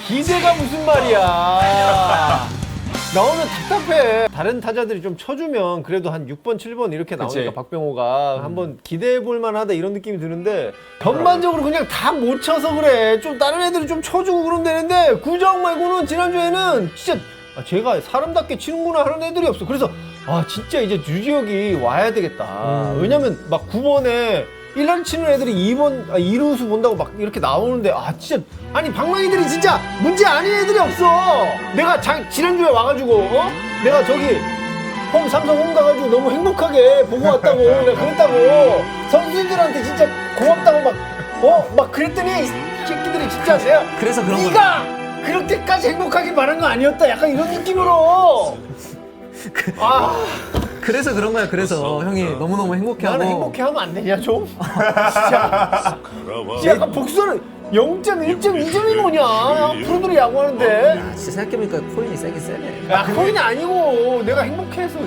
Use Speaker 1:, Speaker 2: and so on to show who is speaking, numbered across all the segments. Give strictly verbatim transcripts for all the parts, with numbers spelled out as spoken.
Speaker 1: 기대가 무슨 말이야. 나오면 답답해. 다른 타자들이 좀 쳐주면 그래도 한 육 번, 칠 번 이렇게 나오니까
Speaker 2: 그치.
Speaker 1: 박병호가 음. 한번 기대해볼 만하다 이런 느낌이 드는데 전반적으로 그냥 다 못 쳐서 그래. 좀 다른 애들이 좀 쳐주고 그러면 되는데 구자욱 말고는 지난주에는 진짜 아, 제가 사람답게 치는구나 하는 애들이 없어. 그래서 아 진짜 이제 유지혁이 와야 되겠다. 음. 왜냐면 막 구 번에 일 란 치는 애들이 이 번, 아, 이 루수 본다고 막 이렇게 나오는데 아 진짜 아니 방망이들이 진짜 문제 아닌 애들이 없어. 내가 자, 지난주에 와가지고 어? 내가 저기 홈 삼성 홈 가가지고 너무 행복하게 보고 왔다고 내가 그랬다고 선수들한테 진짜 고맙다고 막 어? 막 그랬더니 이 새끼들이 진짜 내가
Speaker 3: 그래서 그런 거
Speaker 1: 네가 그렇게까지 행복하게 말한 거 아니었다 약간 이런 느낌으로 아
Speaker 3: 그래서 그런 거야. 그래서 형이 너무너무 행복해하고
Speaker 1: 나는 행복해하면 안 되냐 좀? 진짜 진짜 약간 복수는 영 점 일 점 이 점이 뭐냐 프로들이 야구하는데
Speaker 3: 야, 진짜 생각해보니까 코인이 세긴 세네.
Speaker 1: 야 그건이 아니고 내가 행복해서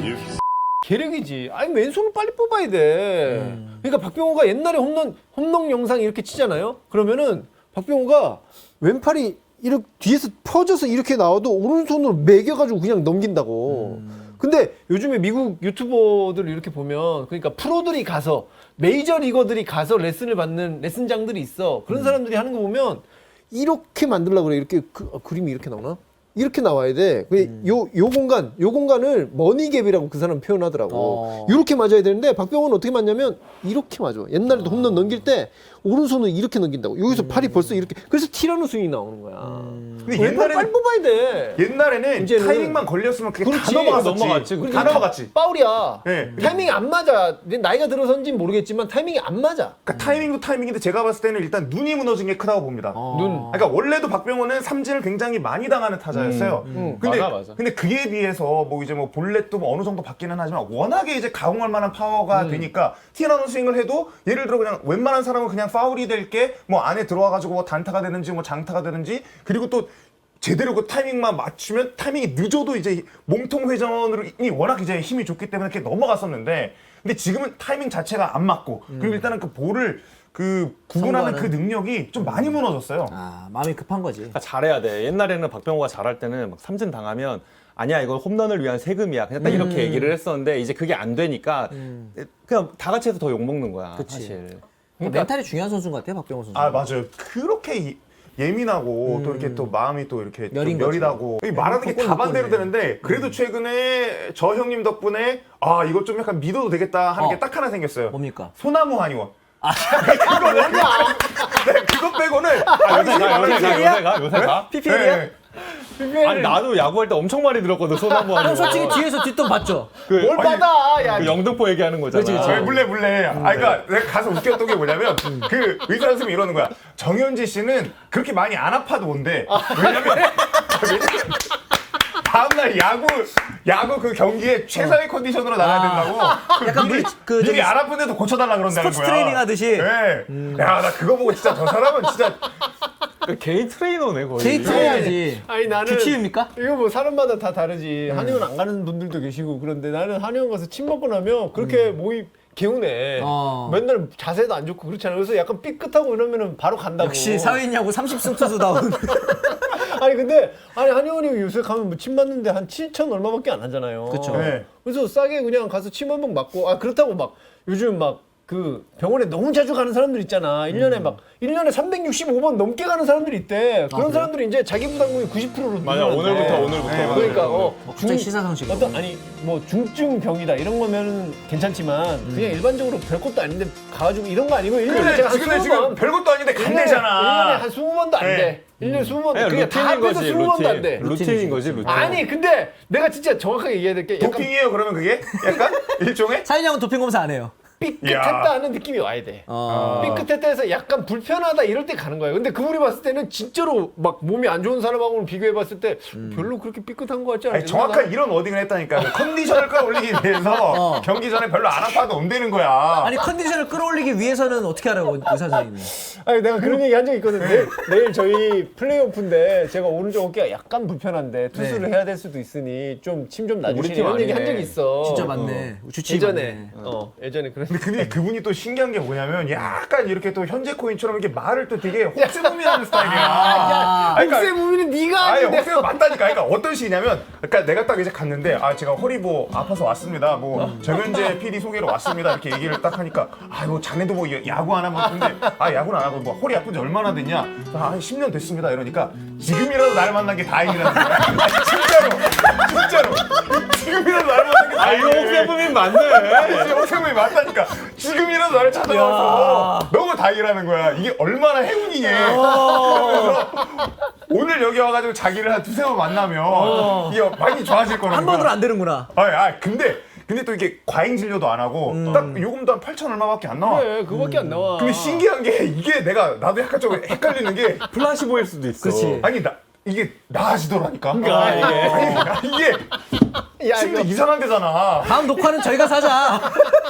Speaker 1: 계력이지. 아니 왼손을 빨리 뽑아야 돼. 음. 그러니까 박병호가 옛날에 홈런 홈런 영상 이렇게 치잖아요. 그러면은 박병호가 왼팔이 이렇게 뒤에서 퍼져서 이렇게 나와도 오른손으로 매겨가지고 그냥 넘긴다고. 음. 근데 요즘에 미국 유튜버들 이렇게 보면 그러니까 프로들이 가서 메이저 리거들이 가서 레슨을 받는 레슨장들이 있어. 그런 사람들이 하는 거 보면 이렇게 만들려고 그래. 이렇게 그, 어, 그림이 이렇게 나오나? 이렇게 나와야 돼. 음. 요, 요 공간, 요 공간을 머니갭이라고 그 사람 표현하더라고. 어. 이렇게 맞아야 되는데 박병호는 어떻게 맞냐면 이렇게 맞아. 옛날에도 어. 홈런 넘길 때 오른손을 이렇게 넘긴다고. 여기서 음. 팔이 벌써 이렇게. 그래서 티라노 스윙이 나오는 거야. 음.
Speaker 4: 근데 옛날에는
Speaker 1: 빨리 뽑아야 돼.
Speaker 4: 옛날에는
Speaker 1: 이제는.
Speaker 4: 타이밍만 걸렸으면 그게
Speaker 1: 그렇지.
Speaker 4: 다 넘어갔었지.
Speaker 2: 넘어갔지.
Speaker 4: 다
Speaker 1: 그러니까
Speaker 4: 넘어갔지.
Speaker 1: 파울이야.
Speaker 4: 네.
Speaker 1: 타이밍이 안 맞아. 나이가 들어서인지 모르겠지만 타이밍이 안 맞아.
Speaker 4: 그러니까 타이밍도 타이밍인데 제가 봤을 때는 일단 눈이 무너진 게 크다고 봅니다.
Speaker 3: 어.
Speaker 1: 눈.
Speaker 4: 그러니까 원래도 박병호는 삼진을 굉장히 많이 당하는 타자였어요.
Speaker 1: 음, 음.
Speaker 4: 근데
Speaker 2: 맞아, 맞아.
Speaker 4: 근데 그에 비해서 뭐 이제 뭐 볼넷도 뭐 어느 정도 받기는 하지만 워낙에 이제 가공할 만한 파워가
Speaker 1: 음.
Speaker 4: 되니까 티라노 스윙을 해도 예를 들어 그냥 웬만한 사람은 그냥 파울이 될 게 뭐 안에 들어와 가지고 뭐 단타가 되는지 뭐 장타가 되는지 그리고 또 제대로 그 타이밍만 맞추면 타이밍이 늦어도 이제 몸통 회전으로 이 워낙 이제 힘이 좋기 때문에 이렇게 넘어갔었는데 근데 지금은 타이밍 자체가 안 맞고
Speaker 1: 음.
Speaker 4: 그리고 일단은 그 볼을 그 구분하는
Speaker 3: 선구하는.
Speaker 4: 그 능력이 좀 많이 무너졌어요.
Speaker 3: 아 마음이 급한 거지.
Speaker 2: 그러니까 잘해야 돼. 옛날에는 박병호가 잘할 때는 막 삼진 당하면 아니야 이거 홈런을 위한 세금이야. 그냥 딱 이렇게
Speaker 3: 음.
Speaker 2: 얘기를 했었는데 이제 그게 안 되니까
Speaker 3: 음.
Speaker 2: 그냥 다 같이 해서 더 욕먹는 거야.
Speaker 3: 그치.
Speaker 2: 사실.
Speaker 3: 그러니까 멘탈이 중요한 선수인 것 같아 박병호 선수.
Speaker 4: 아 맞아요. 그렇게 이- 예민하고
Speaker 3: 음.
Speaker 4: 또 이렇게 또 마음이 또 이렇게 좀
Speaker 3: 여린 거죠.
Speaker 4: 여리다고 이 말하는 게 다 반대로 되는데 그래도 최근에 저 형님 덕분에 아 이거 좀 약간 믿어도 되겠다 하는
Speaker 3: 어.
Speaker 4: 게 딱 하나 생겼어요.
Speaker 3: 뭡니까?
Speaker 4: 소나무 한의원. 그거 뭐냐? 네, 그거 빼고는 아,
Speaker 2: 요새 가, 요새 가, 요새 가, 요새 가.
Speaker 3: 피피엘이야?
Speaker 4: 네.
Speaker 2: 아니 나도 야구할 때 엄청 많이 들었거든 소나무 하는
Speaker 3: 형
Speaker 2: 거.
Speaker 3: 솔직히 뒤에서 뒷돈 봤죠?
Speaker 2: 그,
Speaker 1: 뭘 받아? 야,
Speaker 2: 그 영등포 얘기하는 거잖아.
Speaker 3: 그치, 그치.
Speaker 4: 아, 물래 물래. 아 그러니까 내가 가서 웃겼던 게 뭐냐면 그 의사 선생님이 이러는 거야. 정현지 씨는 그렇게 많이 안 아파도 온대. 왜냐면 왜냐면 다음날 야구 야구 그 경기에 최상의 컨디션으로 나가야 된다고. 그
Speaker 3: 약간
Speaker 4: 미리,
Speaker 3: 물- 그
Speaker 4: 미리
Speaker 3: 저기
Speaker 4: 안 아픈데도 고쳐달라 그런다는
Speaker 3: 스포츠
Speaker 4: 거야.
Speaker 3: 트레이닝 하듯이.
Speaker 4: 네. 야 나 그거 보고 진짜 저 사람은 진짜
Speaker 2: 그 개인 트레이너네 거의.
Speaker 3: 데이트 해야지.
Speaker 1: 아니 나는
Speaker 3: 규칙입니까?
Speaker 1: 이거 뭐 사람마다 다 다르지. 한의원 안 가는 분들도 계시고 그런데 나는 한의원 가서 침 먹고 나면 그렇게 몸이 개운해.
Speaker 3: 어.
Speaker 1: 맨날 자세도 안 좋고 그렇잖아. 그래서 약간 삐끗하고 이러면은 바로 간다고.
Speaker 3: 역시 사회인야구 삼십 승 투수다운.
Speaker 1: 아니 근데 아니 한의원이 요새 가면 뭐 침 맞는데 한 칠천 얼마밖에 안 하잖아요.
Speaker 3: 그쵸.
Speaker 4: 네.
Speaker 1: 그래서 싸게 그냥 가서 침 한 번 맞고 아 그렇다고 막 요즘 막 그 병원에 너무 자주 가는 사람들 있잖아. 일 년에 막 일 년에 삼백육십오 번 넘게 가는 사람들이 있대. 그런
Speaker 3: 그래요?
Speaker 1: 사람들이 이제 자기 부담금이 구십 퍼센트로
Speaker 2: 맞아 오늘부터 오늘부터.
Speaker 4: 네,
Speaker 1: 그러니까 어,
Speaker 3: 어, 갑자기 시사상식으로.
Speaker 1: 어떤 아니 뭐 중증 병이다 이런 거면 괜찮지만 그냥 일반적으로 별것도 아닌데 가가지고 이런 거 아니고 일 년에
Speaker 4: 근데
Speaker 1: 제가 한
Speaker 4: 지금
Speaker 1: 스무
Speaker 4: 지금
Speaker 1: 번
Speaker 4: 별것도 아닌데
Speaker 1: 일 년에
Speaker 4: 간대잖아.
Speaker 1: 한 스무 번도 안
Speaker 4: 네.
Speaker 1: 돼. 일 년에 스무 번
Speaker 2: 그냥
Speaker 1: 그게 다
Speaker 2: 루틴인
Speaker 1: 합해서
Speaker 2: 거지
Speaker 1: 스무 번도 안 돼.
Speaker 2: 루틴. 루틴인 거지 루틴.
Speaker 1: 아니 근데 내가 진짜 정확하게 얘기해야 될 게 약간
Speaker 4: 도핑이에요 그러면 그게? 약간 일종의?
Speaker 3: 사회인야구는 도핑 검사 안 해요.
Speaker 1: 삐끗했다 하는 느낌이 와야 돼.
Speaker 3: 어.
Speaker 1: 삐끗했다 해서 약간 불편하다 이럴 때 가는 거야. 근데 그분이 봤을 때는 진짜로 막 몸이 안 좋은 사람하고는 비교해 봤을 때 별로 그렇게 삐끗한 거 같지 않아?
Speaker 4: 아니, 정확한 이런 워딩을 했다니까. 그 컨디션을 끌어올리기 위해서
Speaker 3: 어.
Speaker 4: 경기 전에 별로 안 아파도 온다는 거야.
Speaker 3: 아니 컨디션을 끌어올리기 위해서는 어떻게 하라고 의사 선생님이.
Speaker 1: 아니 내가 그런 얘기 한 적 있거든. 내일, 내일 저희 플레이오프인데 제가 오른쪽 어깨가 약간 불편한데 투수를
Speaker 3: 네.
Speaker 1: 해야 될 수도 있으니 좀 침 좀
Speaker 2: 우리
Speaker 1: 놔주시니
Speaker 2: 팀
Speaker 1: 이런 얘기 한
Speaker 2: 아니네.
Speaker 1: 적이 있어.
Speaker 3: 진짜 맞네. 주치의
Speaker 1: 예전에
Speaker 3: 맞네.
Speaker 1: 어 예전에 그런
Speaker 4: 근데 그분이, 그분이 또 신기한 게 뭐냐면 약간 이렇게 또 현재 코인처럼 이렇게 말을 또 되게 혹세무민하는 스타일이야.
Speaker 1: 야,
Speaker 4: 아니, 그러니까-
Speaker 1: 혹세무민은 네가
Speaker 4: 아니
Speaker 1: 아닌데.
Speaker 4: 혹세무 맞다니까. 그러니까 어떤 식이냐면, 그러니까 내가 딱 이제 갔는데 아 제가 허리 뭐 아파서 왔습니다. 뭐 정현재 피디 소개로 왔습니다. 이렇게 얘기를 딱 하니까 아뭐 자네도 뭐 야구 안 하면 근데 아 야구는 안 하고 뭐 허리 아픈 지 얼마나 됐냐? 아 십 년 됐습니다. 이러니까 지금이라도 나를 만난 게 다행이라는 거야. 아니, 진짜로 진짜로 지금이라도 나를 만난 게
Speaker 2: 아
Speaker 4: 다행이야.
Speaker 2: 이거 혹세무민 맞네.
Speaker 4: 아니, 혹세무민이 맞다니까. 지금이라도 나를 찾아와서 너무 다행이라는 거야. 이게 얼마나 행운이니. 그래서 오늘 여기 와가지고 자기를 한 두세 번 만나면 이게 많이 좋아질 거라는
Speaker 3: 한
Speaker 4: 거야.
Speaker 3: 번으로 안 되는구나.
Speaker 4: 아, 아 근데 근데 또 이게 과잉 진료도 안 하고 딱 요금도 한 팔천 얼마밖에 안 나와.
Speaker 1: 그래, 그거밖에 안 나와.
Speaker 4: 근데 신기한 게 이게 내가 나도 약간 좀 헷갈리는 게
Speaker 2: 플라시보일 수도 있어.
Speaker 3: 그치.
Speaker 4: 아니 나 이게 나아지더라니까.
Speaker 2: 그러니까 이게.
Speaker 4: 아니, 나 이게
Speaker 1: 야,
Speaker 4: 심지어
Speaker 1: 이거,
Speaker 4: 이상한 데잖아.
Speaker 3: 다음 녹화는 저희가 사자.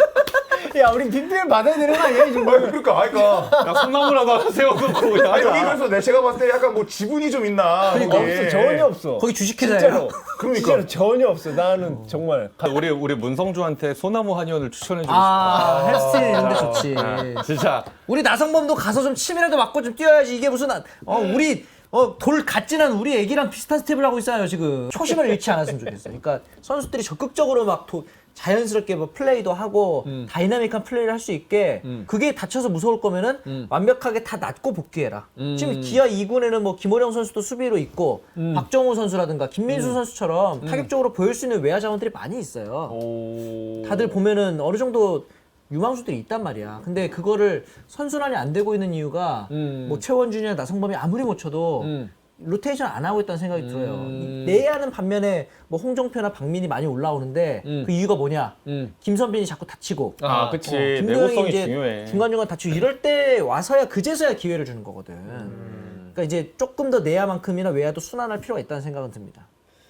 Speaker 1: 야, 우리 빅뱅 받아야 되는 거 아니야, 이
Speaker 4: 아,
Speaker 1: 정도?
Speaker 4: 그러니까 아니, 그러니까
Speaker 2: 야 콩나물하고 하나 세워놓고 그냥
Speaker 4: 아니, 여기
Speaker 2: 하자.
Speaker 4: 그래서 내 제가 봤을 때 약간 뭐 지분이 좀 있나.
Speaker 1: 없어,
Speaker 4: 거기에.
Speaker 1: 전혀 없어.
Speaker 3: 거기 주식회사예요.
Speaker 1: 진짜로.
Speaker 4: 그러니까.
Speaker 1: 진짜로 전혀 없어. 나는 정말.
Speaker 2: 우리 우리 문성주한테 소나무 한의원을 추천해주고
Speaker 3: 아, 헬스테일 이런 데 좋지.
Speaker 2: 싶다. 진짜
Speaker 3: 우리 나성범도 가서 좀 침이라도 맞고 좀 뛰어야지. 이게 무슨 아- 어 우리 어 돌 갓진한 우리 애기랑 비슷한 스텝을 하고 있어요 지금. 초심을 잃지 않았으면 좋겠어. 그러니까 선수들이 적극적으로 막 도, 자연스럽게 뭐 플레이도 하고 다이나믹한 플레이를 할 수 있게 그게 다쳐서 무서울 거면은 완벽하게 다 낫고 복귀해라. 지금 기아 이 군에는 뭐 김호령 선수도 수비로 있고 박정우 선수라든가 김민수 선수처럼 타격적으로 보일 수 있는 외야 자원들이 많이 있어요.
Speaker 1: 오.
Speaker 3: 다들 보면은 어느 정도 유망수들이 있단 말이야. 근데 그거를 선순환이 안 되고 있는 이유가
Speaker 1: 음.
Speaker 3: 뭐 최원준이나 나성범이 아무리 못 쳐도
Speaker 1: 음.
Speaker 3: 로테이션 안 하고 있다는 생각이 들어요.
Speaker 1: 음.
Speaker 3: 내야는 반면에 뭐 홍종표나 박민이 많이 올라오는데
Speaker 1: 음.
Speaker 3: 그 이유가 뭐냐?
Speaker 1: 음.
Speaker 3: 김선빈이 자꾸 다치고
Speaker 2: 아 그치
Speaker 3: 김도영이
Speaker 2: 내구성이
Speaker 3: 이제
Speaker 2: 중요해.
Speaker 3: 중간중간 다치고 이럴 때 와서야 그제서야 기회를 주는 거거든.
Speaker 1: 음.
Speaker 3: 그러니까 이제 조금 더 내야만큼이나 외야도 순환할 필요가 있다는 생각은 듭니다.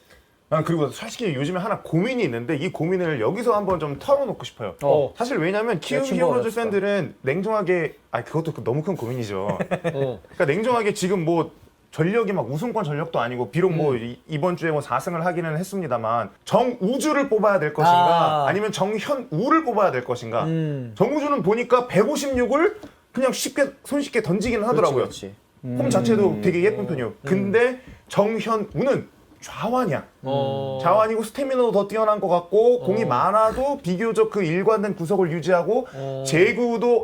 Speaker 4: 난 그리고 솔직히 요즘에 하나 고민이 있는데 이 고민을 여기서 한번 좀 털어놓고 싶어요.
Speaker 1: 어.
Speaker 4: 사실 왜냐면 키움
Speaker 3: 친구가
Speaker 4: 히어로즈
Speaker 3: 그랬을
Speaker 4: 팬들은 냉정하게 아 그것도 그- 너무 큰 고민이죠.
Speaker 1: 어.
Speaker 4: 그러니까 냉정하게 지금 뭐 전력이 막 우승권 전력도 아니고 비록 뭐 이, 이번 주에 뭐 사 승을 하기는 했습니다만 정우주를 뽑아야 될 것인가
Speaker 3: 아.
Speaker 4: 아니면 정현우를 뽑아야 될 것인가.
Speaker 3: 음.
Speaker 4: 정우주는 보니까 백오십육을 그냥 쉽게 손쉽게 던지기는 하더라고요.
Speaker 3: 그렇지.
Speaker 4: 폼 자체도 되게 예쁜 편이에요. 근데 정현우는 좌완이야.
Speaker 1: 어.
Speaker 4: 자완이고 스태미너도 더 뛰어난 것 같고 공이 많아도 비교적 그 일관된 구석을 유지하고
Speaker 1: 어.
Speaker 4: 제구도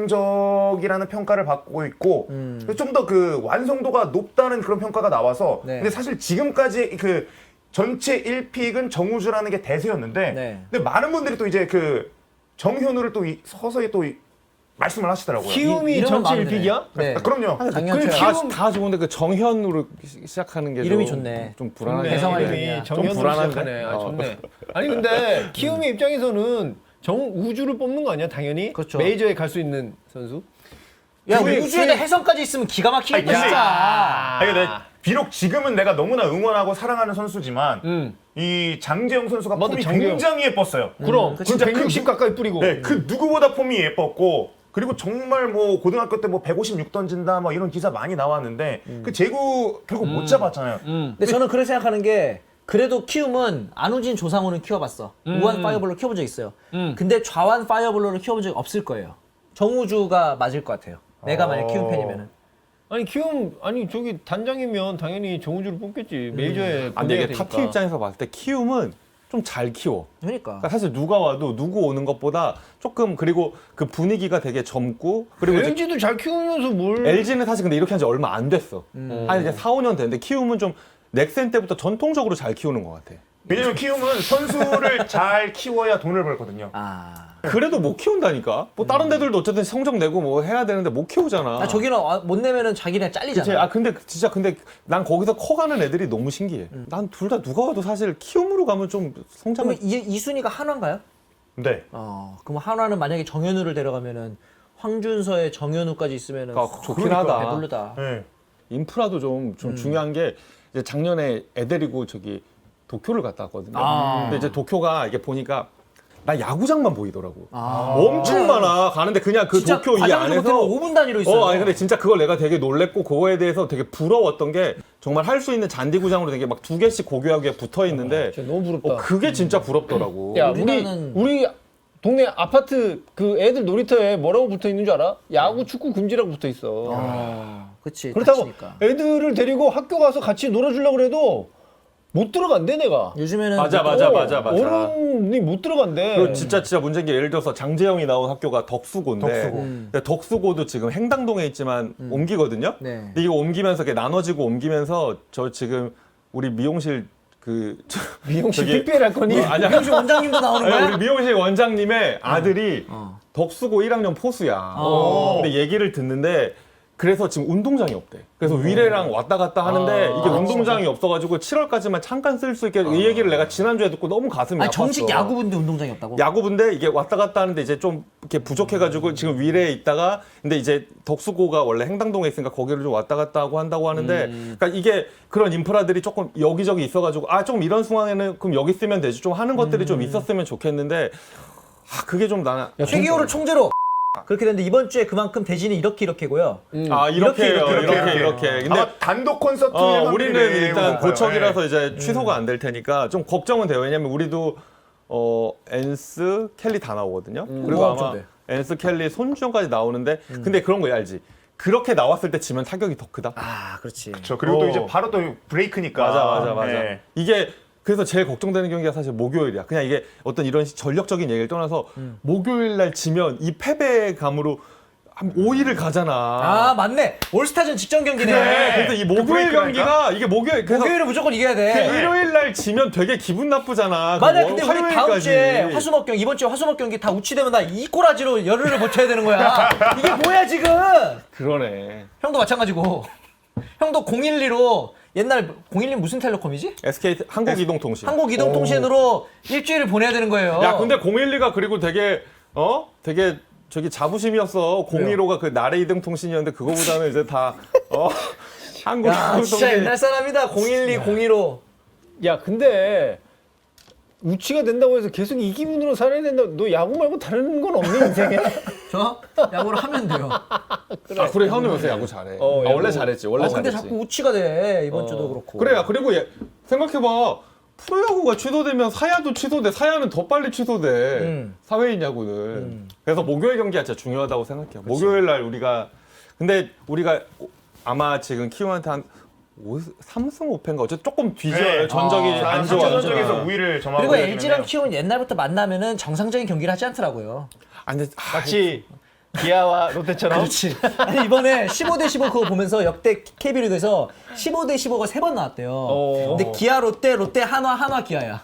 Speaker 4: 안정적이라는 평가를 받고 있고
Speaker 3: 음.
Speaker 4: 좀 더 그 완성도가 높다는 그런 평가가 나와서
Speaker 3: 네.
Speaker 4: 근데 사실 지금까지 그 전체 일 픽은 정우주라는 게 대세였는데
Speaker 3: 네.
Speaker 4: 근데 많은 분들이 또 이제 그 정현우를 또 이- 서서히 또 이- 말씀을 하시더라고요.
Speaker 1: 키움이
Speaker 3: 이름은
Speaker 1: 전체
Speaker 3: 마음에
Speaker 1: 일 픽이야?
Speaker 3: 네.
Speaker 4: 아, 그럼요.
Speaker 3: 당연히
Speaker 2: 다,
Speaker 1: 키움-
Speaker 2: 다 좋은데 그 정현으로 시- 시작하는 게
Speaker 3: 이름이
Speaker 2: 좀,
Speaker 3: 좋네.
Speaker 2: 좀 불안하게
Speaker 3: 좋네. 개성할
Speaker 2: 하는데.
Speaker 3: 이름이야.
Speaker 1: 이름이
Speaker 2: 좀
Speaker 1: 정현으로
Speaker 2: 불안한데?
Speaker 1: 시작하네. 아,
Speaker 2: 어.
Speaker 1: 좋네. 아니 근데 키움의 입장에서는 정우주를 뽑는 거 아니야? 당연히.
Speaker 3: 그렇죠.
Speaker 1: 메이저에 갈 수 있는 선수.
Speaker 3: 야
Speaker 4: 근데
Speaker 3: 우주에다
Speaker 4: 그-
Speaker 3: 해성까지 있으면 기가 막히겠다
Speaker 4: 아니, 근데-
Speaker 3: 진짜.
Speaker 4: 아니, 근데 비록 지금은 내가 너무나 응원하고 사랑하는 선수지만
Speaker 1: 음.
Speaker 4: 이 장재영 선수가
Speaker 1: 맞아,
Speaker 4: 폼이
Speaker 1: 장재영.
Speaker 4: 굉장히 예뻤어요.
Speaker 1: 그럼
Speaker 3: 그치.
Speaker 1: 진짜 백육십 가까이 뿌리고.
Speaker 4: 네, 그 누구보다 폼이 예뻤고 그리고 정말 뭐 고등학교 때 뭐 백오십육 던진다 뭐 이런 기사 많이 나왔는데 그 제구 결국 못 잡았잖아요.
Speaker 1: 음.
Speaker 3: 근데 저는 그렇게 생각하는 게 그래도 키움은 안우진 조상우는 키워봤어. 우완 파이어볼로 키워본 적 있어요.
Speaker 1: 음.
Speaker 3: 근데 좌완 파이어볼로를 키워본 적이 없을 거예요. 정우주가 맞을 것 같아요. 내가 만약 키움 팬이면은.
Speaker 1: 아니 키움 아니 저기 단장이면 당연히 정우주를 뽑겠지. 메이저에
Speaker 2: 아, 근데 이게
Speaker 1: 보내야
Speaker 2: 탑팀
Speaker 1: 되니까.
Speaker 2: 입장에서 봤을 때 키움은 좀 잘 키워.
Speaker 3: 그러니까.
Speaker 2: 그러니까 사실 누가 와도 누구 오는 것보다 조금 그리고 그 분위기가 되게 젊고 그리고 이제
Speaker 1: 엘지도 잘 키우면서 뭘?
Speaker 2: 엘지는 사실 근데 이렇게 한 지 얼마 안 됐어.
Speaker 3: 음.
Speaker 2: 한 이제 사, 오 년 됐는데 키움은 좀 넥센 때부터 전통적으로 잘 키우는 것 같아.
Speaker 4: 왜냐면 키움은 선수를 잘 키워야 돈을 벌거든요.
Speaker 3: 아.
Speaker 2: 그래도 못 키운다니까. 뭐 다른 데들도 어쨌든 성적 내고 뭐 해야 되는데 못 키우잖아.
Speaker 3: 아, 저기는 아, 못 내면은 자기네 잘리잖아.
Speaker 2: 그치? 아 근데 진짜 근데 난 거기서 커가는 애들이 너무 신기해. 난 둘 다 누가 와도 사실 키움으로 가면 좀 성장을
Speaker 3: 그러면 이, 이순이가 한화인가요?
Speaker 4: 네.
Speaker 3: 어. 그럼 한화는 만약에 정현우를 데려가면은 황준서에 정현우까지 있으면은
Speaker 2: 아, 좋긴
Speaker 3: 그러니까
Speaker 2: 하다.
Speaker 3: 배부르다.
Speaker 4: 네.
Speaker 2: 인프라도 좀, 좀 중요한 게 이제 작년에 애 데리고 저기 도쿄를 갔다 왔거든요.
Speaker 3: 아.
Speaker 2: 근데 이제 도쿄가 이게 보니까 나 야구장만 보이더라고.
Speaker 3: 아.
Speaker 2: 엄청 많아. 가는데 그냥 그
Speaker 3: 진짜
Speaker 2: 도쿄 이
Speaker 3: 과장도
Speaker 2: 안에서
Speaker 3: 못하면 오 분 단위로 있어요.
Speaker 2: 어, 아니 근데 진짜 그걸 내가 되게 놀랬고 그거에 대해서 되게 부러웠던 게 정말 할 수 있는 잔디구장으로 되게 막 두 개씩 고교하게 붙어 있는데
Speaker 1: 진짜 너무 부럽다.
Speaker 2: 어, 그게 진짜 부럽더라고.
Speaker 1: 야 우리
Speaker 3: 우리나라는-
Speaker 1: 우리 동네 아파트 그 애들 놀이터에 뭐라고 붙어 있는 줄 알아? 야구, 축구 금지라고 붙어 있어.
Speaker 3: 아, 그렇지.
Speaker 1: 그렇다고
Speaker 3: 다치니까.
Speaker 1: 애들을 데리고 학교 가서 같이 놀아주려고 그래도 못 들어간대 내가.
Speaker 3: 요즘에는
Speaker 2: 맞아,
Speaker 3: 또-
Speaker 2: 맞아, 맞아, 맞아.
Speaker 1: 어른이 못 들어간대.
Speaker 2: 그리고 진짜 진짜 문제인 게 예를 들어서 장재영이 나온 학교가 덕수고인데
Speaker 4: 덕수고.
Speaker 3: 음.
Speaker 2: 근데 덕수고도 지금 행당동에 있지만 옮기거든요.
Speaker 3: 네.
Speaker 2: 근데 이거 옮기면서 이렇게 나눠지고 옮기면서 저 지금 우리 미용실 그 저-
Speaker 1: 미용실
Speaker 2: 저기-
Speaker 1: 특별 할 거니?
Speaker 2: 어, 아니야.
Speaker 3: 미용실 원장님도 나오는
Speaker 2: 아니,
Speaker 3: 거야?
Speaker 2: 우리 미용실 원장님의 아들이
Speaker 3: 어.
Speaker 2: 덕수고 일 학년 포수야.
Speaker 3: 어.
Speaker 2: 근데 얘기를 듣는데 그래서 지금 운동장이 없대. 그래서 위례랑 왔다 갔다 하는데
Speaker 1: 아,
Speaker 2: 이게 운동장이 없어가지고 칠월까지만 잠깐 쓸 수 있게 이 얘기를 내가 지난주에 듣고 너무 가슴이
Speaker 3: 아니
Speaker 2: 아팠어.
Speaker 3: 정식 야구부인데 운동장이 없다고?
Speaker 2: 야구부인데 이게 왔다 갔다 하는데 이제 좀 이렇게 부족해가지고 지금 위례에 있다가 근데 이제 덕수고가 원래 행당동에 있으니까 거기를 좀 왔다 갔다 하고 한다고 하는데 그러니까 이게 그런 인프라들이 조금 여기저기 있어가지고 아 좀 이런 상황에는 그럼 여기 쓰면 되지 좀 하는 것들이 좀 있었으면 좋겠는데 아 그게 좀 나는
Speaker 3: 최기호를 총재로 그렇게 됐는데 이번 주에 그만큼 대진이 이렇게 이렇게고요.
Speaker 2: 아 이렇게
Speaker 3: 이렇게,
Speaker 2: 이렇게
Speaker 4: 이렇게,
Speaker 2: 이렇게,
Speaker 4: 이렇게.
Speaker 2: 이렇게. 근데
Speaker 4: 아마 단독 콘서트
Speaker 2: 어,
Speaker 4: 일반들이
Speaker 2: 우리는
Speaker 4: 매우
Speaker 2: 일단
Speaker 4: 높아요.
Speaker 2: 고척이라서
Speaker 4: 예.
Speaker 2: 이제 취소가 안 될 테니까 좀 걱정은 돼요. 왜냐면 우리도 어 엔스 켈리 다 나오거든요. 그리고
Speaker 3: 어,
Speaker 2: 아마
Speaker 3: 좋네.
Speaker 2: 엔스 켈리 손주영까지 나오는데 근데 그런 거 알지? 그렇게 나왔을 때 지면 타격이 더 크다.
Speaker 3: 아 그렇지.
Speaker 4: 그렇죠. 그리고 또
Speaker 2: 어.
Speaker 4: 이제 바로 또 브레이크니까.
Speaker 2: 맞아 맞아 맞아.
Speaker 4: 예.
Speaker 2: 이게 그래서 제일 걱정되는 경기가 사실 목요일이야. 그냥 이게 어떤 이런 전력적인 얘기를 떠나서 목요일 날 지면 이 패배감으로 한 오 일을 가잖아.
Speaker 3: 아 맞네. 올스타전 직전 경기네.
Speaker 2: 그래. 그래서 이 목요일
Speaker 4: 브레이크라니까?
Speaker 2: 경기가 이게 목요일 그래서
Speaker 3: 목요일은 무조건 이겨야
Speaker 2: 그
Speaker 3: 돼.
Speaker 2: 일요일 날 지면 되게 기분 나쁘잖아.
Speaker 3: 맞아.
Speaker 2: 그
Speaker 3: 근데
Speaker 2: 월-
Speaker 3: 우리 다음
Speaker 2: 화요일까지.
Speaker 3: 주에 화수목 경기 이번 주에 화수목 경기 다 우치되면 나 이 꼬라지로 열흘을 버텨야 되는 거야. 이게 뭐야 지금?
Speaker 2: 그러네.
Speaker 3: 형도 마찬가지고. 형도 공일리로 옛날 공일리 무슨 텔레콤이지?
Speaker 2: 에스케이 한국이동통신.
Speaker 3: 한국이동통신으로 일주일을 보내야 되는 거예요.
Speaker 2: 야 근데 공일리가 그리고 되게 어 되게 저기 자부심이었어. 공일오가 그 나래 이동통신이었는데 그거보다는 이제 다 어
Speaker 3: 야 진짜
Speaker 2: 한국이동통신.
Speaker 3: 옛날 사람이다. 공일리 공일오.
Speaker 1: 야 근데 우치가 된다고 해서 계속 이 기분으로 살아야 된다. 너 야구 말고 다른 건 없니 인생에?
Speaker 3: 저 야구를 하면 돼요.
Speaker 2: 아 그래 현우 요새 야구 잘해.
Speaker 1: 어,
Speaker 2: 아, 원래
Speaker 1: 야구.
Speaker 2: 잘했지. 원래
Speaker 3: 어, 근데
Speaker 2: 잘했지.
Speaker 3: 자꾸 우치가 돼 이번 주도 그렇고.
Speaker 2: 그래 그리고 얘, 생각해봐. 프로야구가 취소되면 사야도 취소돼. 사야는 더 빨리 취소돼.
Speaker 3: 음.
Speaker 2: 사회인 야구는. 그래서 목요일 경기가 진짜 중요하다고 생각해요. 목요일 날 우리가 근데 우리가 아마 지금 키움한테 한 삼 승 오 패인가 어쨌든 조금 뒤져요.
Speaker 4: 네.
Speaker 2: 전적이
Speaker 3: 아,
Speaker 2: 안 좋아.
Speaker 4: 전적에서 우위를 점하고
Speaker 3: 그리고
Speaker 4: 있는
Speaker 3: 엘지랑
Speaker 4: 중이네요.
Speaker 3: 키움은 옛날부터 만나면은 정상적인 경기를 하지 않더라고요.
Speaker 2: 아니 근데 아,
Speaker 1: 마치 기아와 롯데처럼.
Speaker 3: 그렇지. 아니 이번에 십오 대 십오 그거 보면서 역대 케이비리그에서 십오 대 십오가 세 번 나왔대요.
Speaker 1: 어.
Speaker 3: 근데 기아 롯데 롯데 한화 한화 기아야.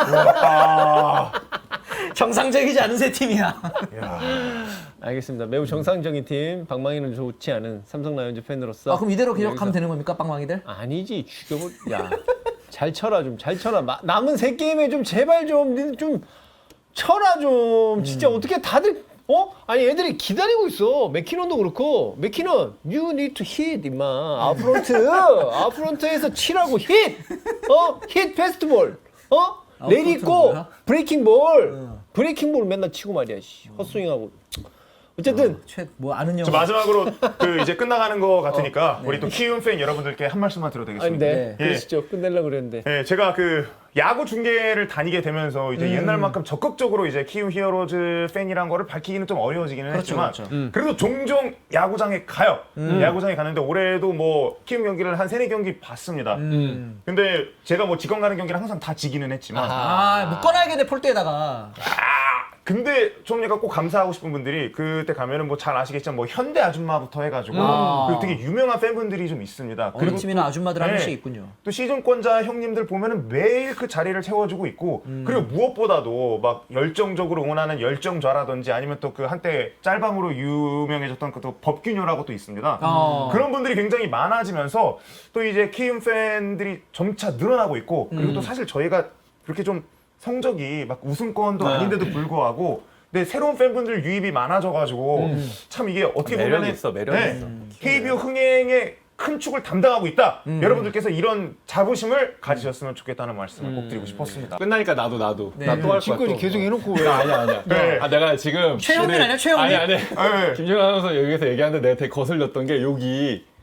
Speaker 3: 정상적이지 않은 세 팀이야.
Speaker 1: 알겠습니다. 매우 정상적인 팀. 방망이는 좋지 않은 삼성 라이온즈 팬으로서.
Speaker 3: 아 그럼 이대로 계속
Speaker 1: 여기서-
Speaker 3: 가면 되는 겁니까 빵망이들?
Speaker 1: 아니지 죽여버. 야, 잘 쳐라 좀 잘 쳐라. 마- 남은 세 게임에 좀 제발 좀 니들 좀 쳐라 좀. 진짜 어떻게 다들 어? 아니 애들이 기다리고 있어. 맥키넌도 그렇고 맥키넌 you need to hit 임마. 아프론트 아프론트에서 치라고 hit. 어? hit 패스트볼. 어? 레디
Speaker 3: 아웃프론트는
Speaker 1: 고
Speaker 3: 뭐야?
Speaker 1: 브레이킹 볼. 브레이킹 볼 맨날 치고 말이야. 씨. 헛스윙하고. 어쨌든
Speaker 3: 최뭐 아는 영.
Speaker 4: 저 마지막으로 그 이제 끝나가는 거 같으니까 우리 또 키움 팬 여러분들께 한 말씀만 드려도
Speaker 1: 아니
Speaker 4: 되겠습니다.
Speaker 1: 네.
Speaker 3: 네.
Speaker 1: 그러시죠. 끝내려고 그랬는데.
Speaker 4: 예, 제가 그 야구 중계를 다니게 되면서 이제
Speaker 3: 음.
Speaker 4: 옛날만큼 적극적으로 이제 키움 히어로즈 팬이란 거를 밝히기는 좀 어려워지기는
Speaker 3: 그렇죠,
Speaker 4: 했지만
Speaker 3: 그렇죠.
Speaker 1: 음.
Speaker 4: 그래도 종종 야구장에 가요. 야구장에 가는데 올해도 뭐 키움 경기를 한 세네 경기 봤습니다.
Speaker 3: 음.
Speaker 4: 근데 제가 뭐 직관 가는 경기를 항상 다 지기는 했지만
Speaker 3: 아 묶어놔야겠네 폴대에다가.
Speaker 4: 근데 좀 약간 꼭 감사하고 싶은 분들이 그때 가면은 뭐 잘 아시겠지만 뭐 현대 아줌마부터 해가지고
Speaker 3: 아.
Speaker 4: 그리고 되게 유명한 팬분들이 좀 있습니다.
Speaker 3: 어느 팀이나 아줌마들 한
Speaker 4: 네.
Speaker 3: 명씩 있군요.
Speaker 4: 또 시즌권자 형님들 보면은 매일 그 자리를 채워주고 있고
Speaker 3: 음.
Speaker 4: 그리고 무엇보다도 막 열정적으로 응원하는 열정좌라든지 아니면 또 그 한때 짤방으로 유명해졌던 그 또 법규녀라고 또 있습니다.
Speaker 3: 어.
Speaker 4: 그런 분들이 굉장히 많아지면서 또 이제 키움 팬들이 점차 늘어나고 있고 그리고
Speaker 3: 음.
Speaker 4: 또 사실 저희가 그렇게 좀 성적이 막 우승권도 아닌데도 불구하고 근데 새로운 팬분들 유입이 많아져가지고 참 이게 어떻게
Speaker 2: 매력
Speaker 4: 보면
Speaker 2: 있어, 매력 있어.
Speaker 4: 케이비오 흥행의 큰 축을 담당하고 있다. 여러분들께서 이런 자부심을 가지셨으면 좋겠다는 말씀을 꼭 드리고 싶었습니다.
Speaker 2: 끝나니까 나도 나도
Speaker 3: 네.
Speaker 2: 나 또 할 거야.
Speaker 1: 짓거리
Speaker 2: 또.
Speaker 1: 계속 해놓고 왜?
Speaker 2: 나 아니야 아니야.
Speaker 4: 네.
Speaker 2: 아 내가 지금
Speaker 3: 최영민
Speaker 2: 우리-
Speaker 3: 아니야, 최영민?
Speaker 2: 아니 아니.
Speaker 4: 네.
Speaker 2: 김준호 아나운서 여기서 얘기하는데 내가 되게 거슬렸던 게 여기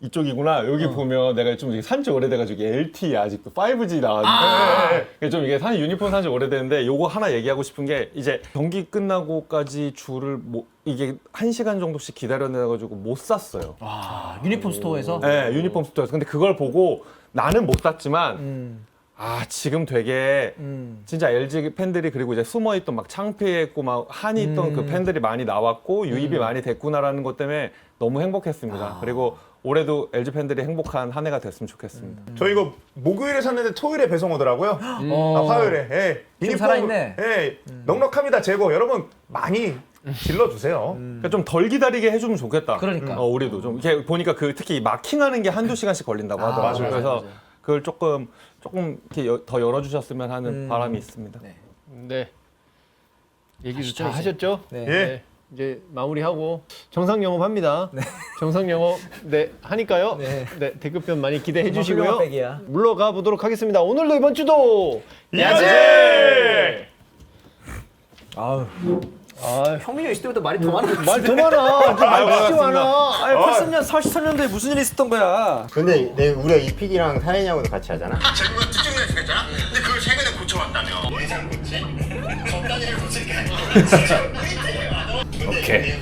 Speaker 2: 이쪽이구나. 여기 보면 내가 좀 산지 오래돼가지고 엘티E 아직도 파이브지 나왔는데
Speaker 4: 아~
Speaker 2: 좀 이게 산 유니폼 산지 오래됐는데 요거 하나 얘기하고 싶은 게 이제 경기 끝나고까지 줄을 뭐 이게 한 시간 정도씩 기다려내가지고 못 샀어요.
Speaker 3: 아, 유니폼 스토어에서?
Speaker 2: 네, 유니폼 스토어에서. 근데 그걸 보고 나는 못 샀지만
Speaker 3: 음.
Speaker 2: 아 지금 되게
Speaker 3: 음.
Speaker 2: 진짜 엘지 팬들이 그리고 이제 숨어있던 막 창피했고 막 한이 있던
Speaker 3: 음.
Speaker 2: 그 팬들이 많이 나왔고 유입이 많이 됐구나라는 것 때문에 너무 행복했습니다.
Speaker 3: 아.
Speaker 2: 그리고 올해도 엘지 팬들이 행복한 한 해가 됐으면 좋겠습니다.
Speaker 3: 음.
Speaker 4: 저 이거 목요일에 샀는데 토요일에 배송 오더라고요.
Speaker 3: 어.
Speaker 4: 아, 화요일에. 예.
Speaker 3: 좀 살아있네.
Speaker 4: 예. 넉넉합니다. 재고. 여러분 많이 질러주세요.
Speaker 2: 그러니까 좀 덜 기다리게 해주면 좋겠다.
Speaker 3: 그러니까.
Speaker 2: 어, 우리도 좀 이렇게 보니까 그 특히 마킹하는 게 한두 시간씩 걸린다고
Speaker 3: 아,
Speaker 2: 하더라고요.
Speaker 4: 맞아요,
Speaker 2: 그래서
Speaker 3: 맞아요.
Speaker 2: 그걸 조금 조금 이렇게 여- 더 열어주셨으면 하는
Speaker 3: 음.
Speaker 2: 바람이 있습니다.
Speaker 3: 네.
Speaker 1: 네. 얘기
Speaker 3: 하시죠,
Speaker 1: 다
Speaker 3: 이제.
Speaker 1: 하셨죠?
Speaker 3: 네.
Speaker 4: 예.
Speaker 1: 이제 마무리하고 정상 영업합니다. 정상 영업 네 하니까요.
Speaker 3: 네.
Speaker 1: 네, 대급변 많이 기대해
Speaker 3: 정말
Speaker 1: 주시고요.
Speaker 3: 훌륭한 백이야.
Speaker 1: 물러가 보도록 하겠습니다. 오늘도 이번 주도
Speaker 4: 야제!
Speaker 3: 아우.
Speaker 1: 아,
Speaker 3: 형민이 있을 때보다 말이 더 많아.
Speaker 1: 말 더 많아. 말 진짜 많아.
Speaker 3: 아니, 팔십 년, 사십 년대에 무슨 일이 있었던 거야?
Speaker 5: 근데 내 우리가 이피디랑 사인이하고도 같이 하잖아.
Speaker 6: 제국은 특정이라 생겼잖아? 근데 그걸 최근에 고쳐왔다며. 예상 고치? 적당히를 고친 게 아니야.
Speaker 5: 오케이.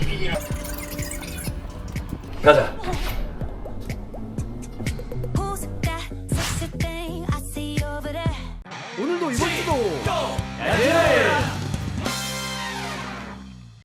Speaker 3: 가자.
Speaker 7: Who's that sexy thing I see over there?
Speaker 1: 오늘도 이번 주도
Speaker 3: 야제!